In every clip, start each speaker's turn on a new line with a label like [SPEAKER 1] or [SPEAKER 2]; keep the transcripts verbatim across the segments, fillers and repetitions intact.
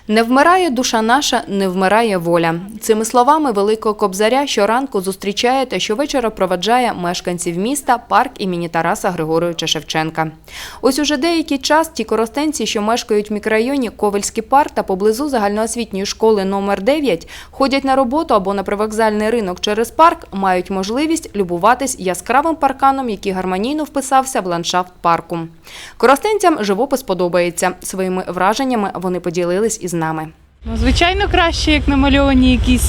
[SPEAKER 1] Не вмирає душа наша, не вмирає воля. Цими словами Великого Кобзаря щоранку зустрічає та щовечора проведжає мешканців міста парк імені Тараса Григоровича Шевченка. Ось уже деякий час ті коростенці, що мешкають в мікрорайоні Ковельський парк та поблизу загальноосвітньої школи номер дев'ять, ходять на роботу або на привокзальний ринок через парк, мають можливість любуватись яскравим парканом, який гармонійно вписався в ландшафт парку. Коростенцям живопис подобається. Своїми враженнями вони поділились із нами.
[SPEAKER 2] Ну, звичайно, краще, як намальовані якісь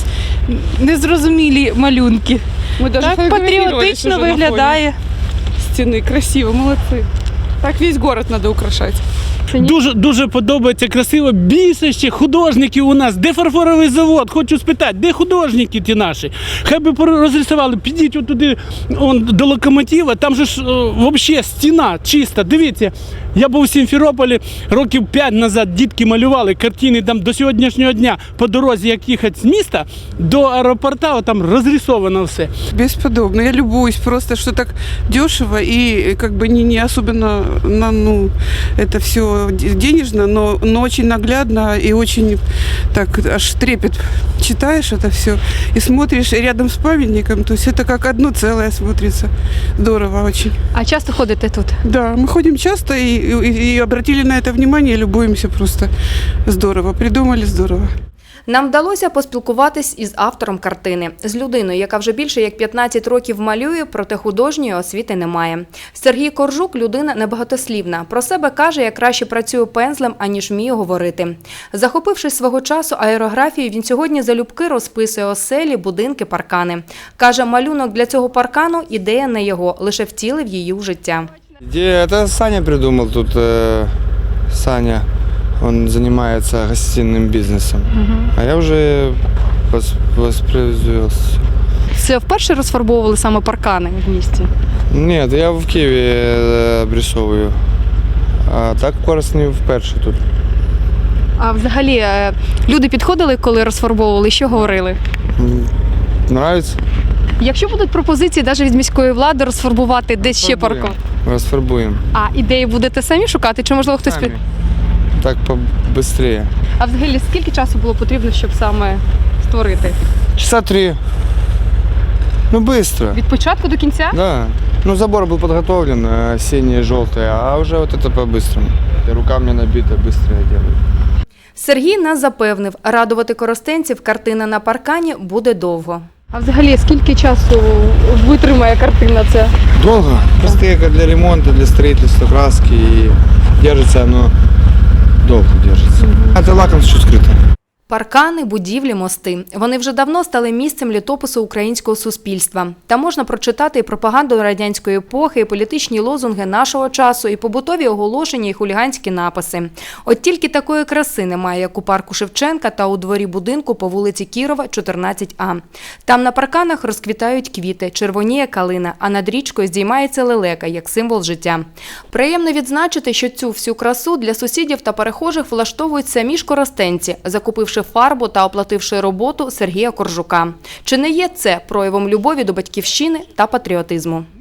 [SPEAKER 2] незрозумілі малюнки.
[SPEAKER 3] Ми даже
[SPEAKER 2] Так патріотично виглядає.
[SPEAKER 3] Стіни красиво, молодці. Так весь город треба украшати.
[SPEAKER 4] Дуже, дуже подобається, красиво. Більше ще художників у нас. Де фарфоровий завод? Хочу спитати, де художники ті наші? Хай би розрисували, підіть отуди он, до локомотива, там же ж взагалі стіна чиста. Дивіться, я був у Сімферополі років п'ять назад, дітки малювали картини там до сьогоднішнього дня по дорозі, як їхати з міста до аеропорта, там розрисовано все.
[SPEAKER 3] Бесподобно. Я любуюсь просто, что так дешево и как бы не, не особенно, на, ну, это все денежно, но, но очень наглядно и очень так аж трепет. Читаешь это все и смотришь рядом с памятником, то есть это как одно целое смотрится. Здорово очень.
[SPEAKER 1] А часто ходите тут?
[SPEAKER 3] Да, мы ходим часто и, и, и обратили на это внимание, любуемся просто. Здорово, придумали здорово.
[SPEAKER 1] Нам вдалося поспілкуватись із автором картини, з людиною, яка вже більше як п'ятнадцять років малює, проте художньої освіти немає. Сергій Коржук – людина небагатослівна. Про себе каже, як краще працює пензлем, аніж вміє говорити. Захопившись свого часу аерографією, він сьогодні залюбки розписує оселі, будинки, паркани. Каже, малюнок для цього паркану – ідея не його, лише втілив її в життя.
[SPEAKER 5] Идея, это Саня придумал тут, э, Саня, он занимается гостиным бизнесом, угу. А я уже восп воспроизвелся.
[SPEAKER 1] Це вперше розфарбовували саме паркани в місті?
[SPEAKER 5] Нет, я в Києві обрисовую, а так в Коростені вперше тут.
[SPEAKER 1] А взагалі люди підходили, коли розфарбовували, що говорили?
[SPEAKER 5] Нравится?
[SPEAKER 1] Якщо будуть пропозиції навіть від міської влади розфарбувати десь ще паркан?
[SPEAKER 5] Розфарбуємо.
[SPEAKER 1] А ідеї будете самі шукати, чи можливо хтось під...
[SPEAKER 5] Так побыстрее.
[SPEAKER 1] А взагалі скільки часу було потрібно, щоб саме створити?
[SPEAKER 5] Часа три. Ну быстро.
[SPEAKER 1] Від початку до кінця?
[SPEAKER 5] Да. Ну забор был подготовлен, синие, желтые, а уже вот это по-быстрому. Рука мне набита, быстро я делаю.
[SPEAKER 1] Сергій нас запевнив, радувати коростенців картина на паркані буде довго. А взагалі, скільки часу витримає картина це?
[SPEAKER 5] Долго. Просто как для ремонта, для строительства, краски. И держится оно, долго держится. Mm-hmm. Это лаком чуть скрыто.
[SPEAKER 1] Паркани, будівлі, мости. Вони вже давно стали місцем літопису українського суспільства. Там можна прочитати і пропаганду радянської епохи, і політичні лозунги нашого часу, і побутові оголошення, і хуліганські написи. От тільки такої краси немає, як у парку Шевченка та у дворі будинку по вулиці Кірова, чотирнадцять А. Там на парканах розквітають квіти, червоніє калина, а над річкою здіймається лелека, як символ життя. Приємно відзначити, що цю всю красу для сусідів та перехожих влаштовують самі ж коростенці, закупивши фарбу та оплативши роботу Сергія Коржука. Чи не є це проявом любові до батьківщини та патріотизму?